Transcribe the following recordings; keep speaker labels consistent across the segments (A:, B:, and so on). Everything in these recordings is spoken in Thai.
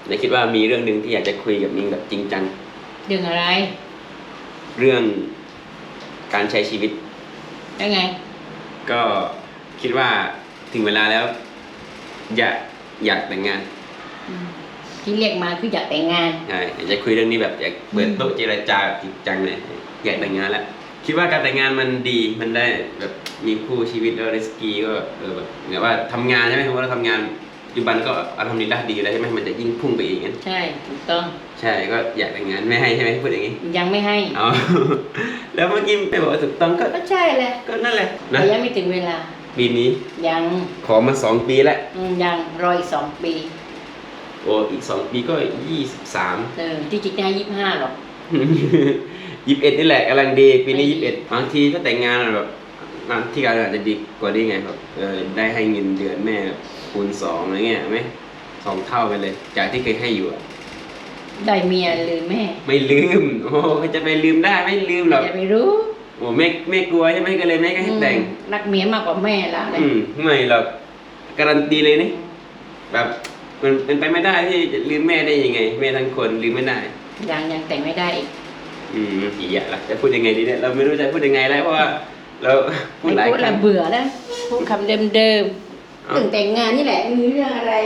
A: ในคิดว่ามีเรื่องหนึ่งที่อยากจะคุยกับนิ้งแบบจริงจัง
B: เรื่องอะไร
A: เรื่องการใช้ชีวิต
B: ยังไง
A: ก็คิดว่าถึงเวลาแล้วอยากแต่งงาน
B: ที่เรียกมาคืออยากแต่งงาน
A: ใช่อยากจะคุยเรื่องนี้แบบอยากเปิดโต๊ะเจรจาจริงจังเลยอยากแต่งงานแล้วคิดว่าการแต่งงานมันดีมันได้แบบมีคู่ชีวิตแล้วริสกี้ก็แบบเหมือนว่าทำงานใช่ไหมสมมติเราทำงานปัจจุบันก็อัลฮัมดุลิลละห์ดีแล้วใช่ไหมมันจะยิ่งพุ่งไปอีกงั้น
B: ใช่ถูกต้อง
A: ใช่ก็อยากแต่งงานไม่ให้ใช่ไหมพูดอย่างนี้
B: ยังไม่ให้
A: อ๋อแล้วเมื่อกี้ไม่บอกว่าถูกต้อง
B: ก็ใช่แหละ
A: ก็นั่นแหละ
B: นะยังไม่ถึงเวลา
A: ปีนี้
B: ยัง
A: ขอมา2 ปีแล้ว
B: ยังรออีก2 ปี
A: โอ้อีก2 ปีก็23
B: ที่จริงได้25หรอก
A: 21นี่แหละกำลังดีปีนี้21บางทีก็แต่งงานแบบที่การอาจจะดีกว่านี้ไงครับได้ให้เงินเดือนแม่คูณ2อะไรเงี้ยไหม2 เท่าไปเลยจากที่เคยให้อยู่
B: ได้เมียลืมแม่
A: ไม่ลืมโอ้จะไปลืมได้ไม่ลืมหรอก
B: จะไปรู้
A: โอ้แม่กลัวใช่ไหมก็เลยแม่ก็ให้แต่ง
B: รักเมียมากกว่าแม่ละเลย
A: ไม่หรอกการันตีเลยนี่แบบมันเป็นไปไม่ได้ที่จะลืมแม่ได้ยังไงแม่ทั้งคนลืมไม่ได้
B: ยังแต่งไม่ได้อีก
A: อีกอย่างละจะพูดยังไงดีเนี่ยเราไม่รู้จะพูดยังไงแล้วเพราะว่าเรา
B: พูดหลายครั้งเบื่อแล้วพูดคำเดิมเรื่องแต่งงานนี่แหละมีเรื่องอะไร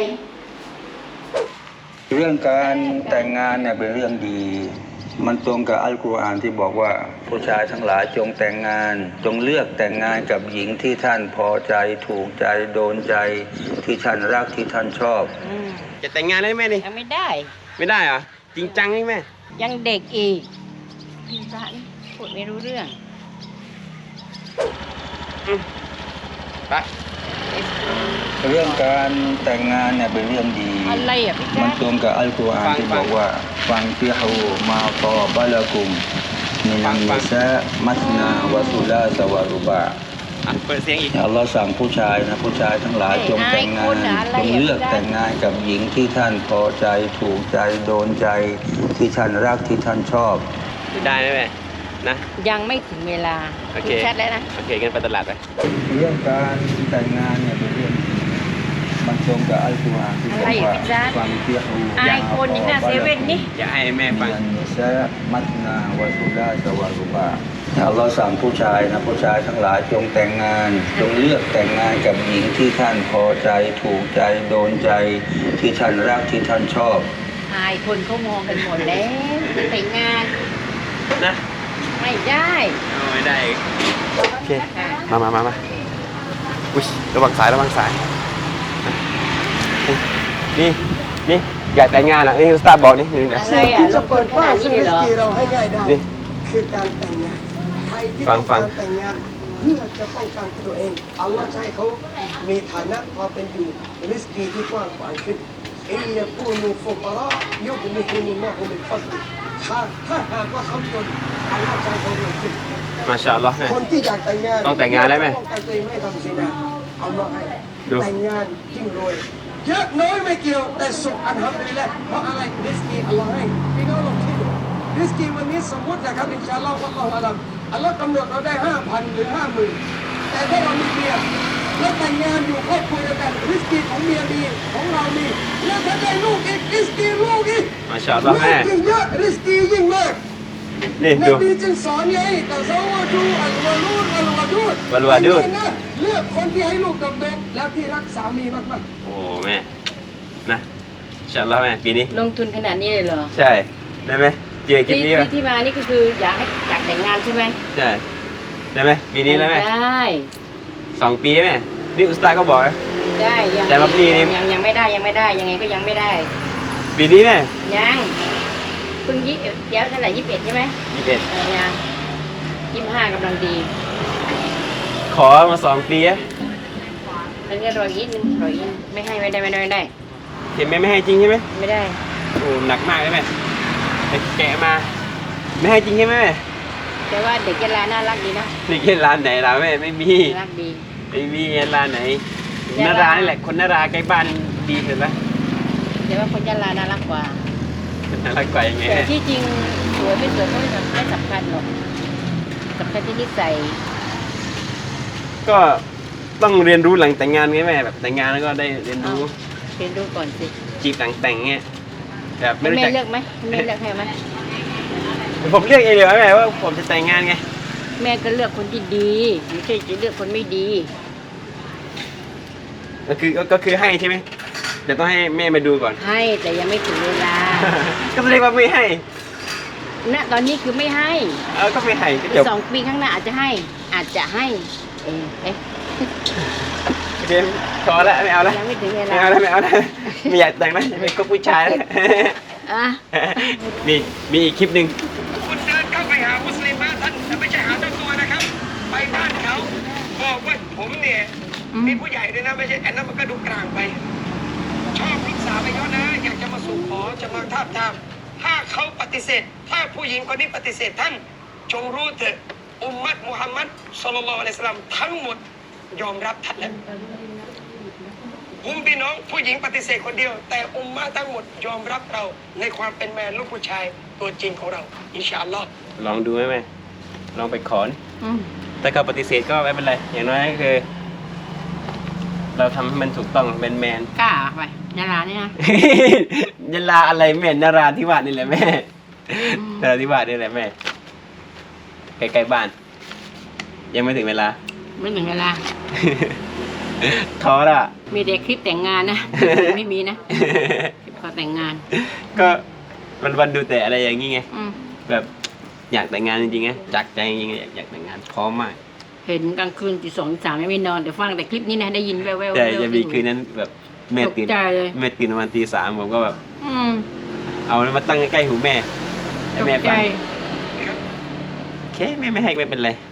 C: เรื่องการแต่งงานเนี่ยเป็นเรื่องดีมันตรงกับอัลกุรอานที่บอกว่าผู้ชายทั้งหลายจงแต่งงานจงเลือกแต่งงานกับหญิงที่ท่านพอใจถูกใจโดนใจที่ท่านรักที่ท่านชอบ
A: จะแต่งงานได้ไหมนี่
B: ไม่ได้
A: เหรอจริงจังใช่ไหม
B: ยังเด็กอีกพี่ตานี่พูดไม่รู้เรื่อง
A: ไป
C: เรื่องการแต่งงานเนี่ยเป็นเรื่องดี
B: อะไรอ่ะพี่
C: มันตรงกับอัลกุรอานที่บอกว่าฟังฟิฮูมาตอบะละกุมมินันนิสามัสนาวะซุลาสวะรุบะ
A: เปิดเสียงอีก
C: อัลลอฮ์สั่งผู้ชายทั้งหลายจงแต่งงานจงเลือกแต่งงานกับหญิงที่ท่านพอใจถูกใจโดนใจที่ท่านรักที่ท่านชอบ
A: ได้ไหมแม่นะ
B: ยังไม่ถึงเวลา
A: โอเค
B: แชทแล้วนะ
A: โอเคงั้นไปตลาดไป
C: เรื่องการแต่งงานเนี่ยเป็นเรื่องมันตรงกับอัลกุรอานที่บอกว่าฟังฟิฮู
B: ไอคนอย่างน่ะเซเว่นนี่
A: อย่าให้แม่ฟัง
C: ซะมัสนาวะซุลาสวะรุบะอัลลอฮ์สั่งผู้ชายทั้งหลายจงแต่งงานจงเลือกแต่งงานกับหญิงที่ท่านพอใจถูกใจโดนใจที่ท่านรักที่ท่านชอบ
B: ไอคนเขามองกันหมดแล้วจะแต่งงาน
A: นะ
B: ไม่ได้
A: โอเคมาอุ้ยระวังสายนี่อยากแต่งงานอ่ะนี่สตาร์บอกนี่นะ
B: อะไรอ่ะรบกวนขนาดนี้เลยเหรอ
D: เราให้ง่ายได้คือการแต่งงานใครที่ต้องการแต่งงานเพื่อจะป้องกันตัวเองอัลลอฮ์ให้เขามีฐานะพอเป็นอยู่ริสกีที่กว้างขวางขึ้นอินยะกูนูฟุกรายุบลิฮิมุลลอฮุมินฟัดลิถ้าหากว่าเขาจนอัลลอฮ์จะให้เขารวยขึ้น
A: มาชาอัลลอฮ์
D: คนที่อยากแต่งงาน
A: ต้องแต่งงานได้ไหม
D: ป้องกันตัวเองไม่ทำซินาอัลลอฮ์ให้แต่งงานยิ่งรวยเยอะน้อยไม่เกี่ยวแต่สุขอันฮัมดุลิลละห์เพราะอะไรริสกีอัลลอฮ์ให้พี่น้องลองคิดดูริสกีวันนี้สมมตินะครับอินชาอัลลอฮ์วัลลอฮุอะลัมอัลลอฮ์กำหนดเราได้ 5,000 หรือ 50,000 แต่ถ้าเรามีเมียแล้วแต่งงานอยู่ครอบครัวเดียวกันริสกีของเมียมีของเรามีแล้วถ้าได้ลูกอีกริสกีลูกอีก
A: มาชาอัลลอฮ์แม่
D: ยิ่งเยอะริสกียิ่งมาก
A: นี่ดู
D: นบีจึงสอนไงแต่ซาวะดูอัลวะลูดอัลวะดูดเลือกคนที่ให้ลูกกับเด็กแล้วที่รักสามีมาก
A: ๆโอ้แม่นะชาอัลลอฮ์แม่ปีนี้
B: ลงทุนขนาดนี้เลยเหรอ
A: ใช่ได้ไหมเจอคลิปนี้
B: ที่มานี่ก็คืออยากแต่งงานใช่ไหม
A: ใช่ได้ไหมปีนี้แล้วไหม
B: ได้
A: 2 ปีไหมนี่อุสตาก็บอก
B: ได้
A: แต่ว่าปีนี้
B: ยังไม่ได้ยังไงก็ยังไม่ได้
A: ปีนี้ไหม
B: ยังเพิ่งเดี๋ยวเท่าไหร่21ใช่ไหมยัง25กำลังดี
A: ขอมา2 ปี
B: แล้วก็รออีกไม่ให้ไม่ได้
A: เห็นไหมไม่ให้จริงใช่ไหม
B: ไม่ได้
A: โอ้หนักมากเลยแม่แกะมาไม่ให้จริงใช่ไหม
B: แต่ว่าเด็กเยลาน่ารักดีนะ
A: เด็กเยลาไหนล่ะแม่ไม่มี
B: น่ารักดี
A: ไม่มีเยลาไหนนารานี่แหละคนนาราใกล้บ้านดีเห็นไหม
B: แต่ว่าคนเยลาน่ารักกว่า
A: ยังไง
B: แต่ที่จริงสวยไม่สวยไม่สำคัญหรอกสำคัญที่นิสัย
A: ก็ต้องเรียนรู้หลังแต่งงานไงแม่แบบแต่งงานแล้วก็ได้เรียนรู้
B: ก่อนสิ
A: จีบหลังแต่งเงี้ยแบบไม่รู้
B: แม่
A: จัก
B: เลือกไหมแม่เลือกให้ไหม
A: ผมเลือกเองเลยแม่ว่าผมจะแต่งงานไง
B: แม่ก็เลือกคนที่ดีไม่ใช่จะเลือกคนไม่ดี
A: ก็คือให้ใช่ไหมแต่ต้องให้แม่มาดูก่อน
B: ให้แต่ยังไม่ถึงเวลา
A: ก็เรียกว่าไม่ให้
B: ณตอนนี้คือไม่ให้
A: ก็ไม่ให้ก็จบ
B: 2 ปีข้างหน้าอาจจะให้เอ๊ะ
A: โอเคพอแล้วไม่เอาแล้ว
B: ยังไม่ถึงเว
A: ไม่
B: ลา
A: เอาแล้วไม่เอาแล้วไม่อยากแต่งแล้วไม่ก็ผู้ชายแล้ว
B: อ่ะ
A: นี่มีอีกคลิปหนึ่ง
D: คุณเดินเข้าไปหามุสลิมะท่านแต่ไม่ใช่หาเจ้าตัวนะครับ ไปบ้านเขาบอกว่าผมเนี่ยมีผู้ใหญ่ด้วยนะไม่ใช่อันนั้นมันก็ดูกลางไป ชอบลูกสาวไปเขานะ อยากจะมาสู่ขอจะมาทาบทามถ้าเขาปฏิเสธ ถ้าผู้หญิงคนนี้ปฏิเสธท่าน จงรู้เถอะอุมมัตมุฮัมมัดศ็อลลัลลอฮุอะลัยฮิวะซัลลัมทั้งหมดยอมรับท่านแล้วผมพี่น้องผู้หญิงปฏิเสธคนเดียว แต่อุมมะทั้งหมดยอมรับเราในความเป็นแมนลูกผู้ชายตัวจริงของเราอินชาอัลลอฮ์
A: ลองดูไหมแม่ลองไปขอ
B: อืม
A: ถ้าเขาปฏิเสธก็ไม่เป็นไรอย่างน้อยก็คือ เราทำให้มันถูกต้องเป็นแมน
B: กล้าไปนารานี่นะ
A: ยะลาอะไรแม่นราธิวาสนี่แหละแม่นราธิวาสนี่แหละแม่ใกล้ๆบ้าน ยังไม่ถึงเวลา
B: ไม่ถึงเวลา
A: ท้อละ
B: มีแต่คลิปแต่งงานนะ ไม่มีนะคลิปขอแต่งงาน
A: ก็วันๆดูแต่อะไรอย่างงี้ไง
B: อืม
A: แบบอยากแต่งงานจริงๆไงจากใจจริงๆอยากแต่งงานพร้อมมาก
B: เห็นกลางคืนตี 2 ตี 3ไม่นอนแต่ฟังแต่คลิปนี้นะได้ยินแว่วๆ
A: แต่จะมีคืนนั้นแบบแม่ตื่น
B: ตกใจเลย
A: แม่ตื่นประมาณตี 3ผมก็แบบ
B: อืม
A: เอามาตั้งใกล้ๆหูแม่ให้
B: ตก
A: แม่
B: ใจ
A: ฟังโอเคแม่ไม่ให้ไม่เป็นไร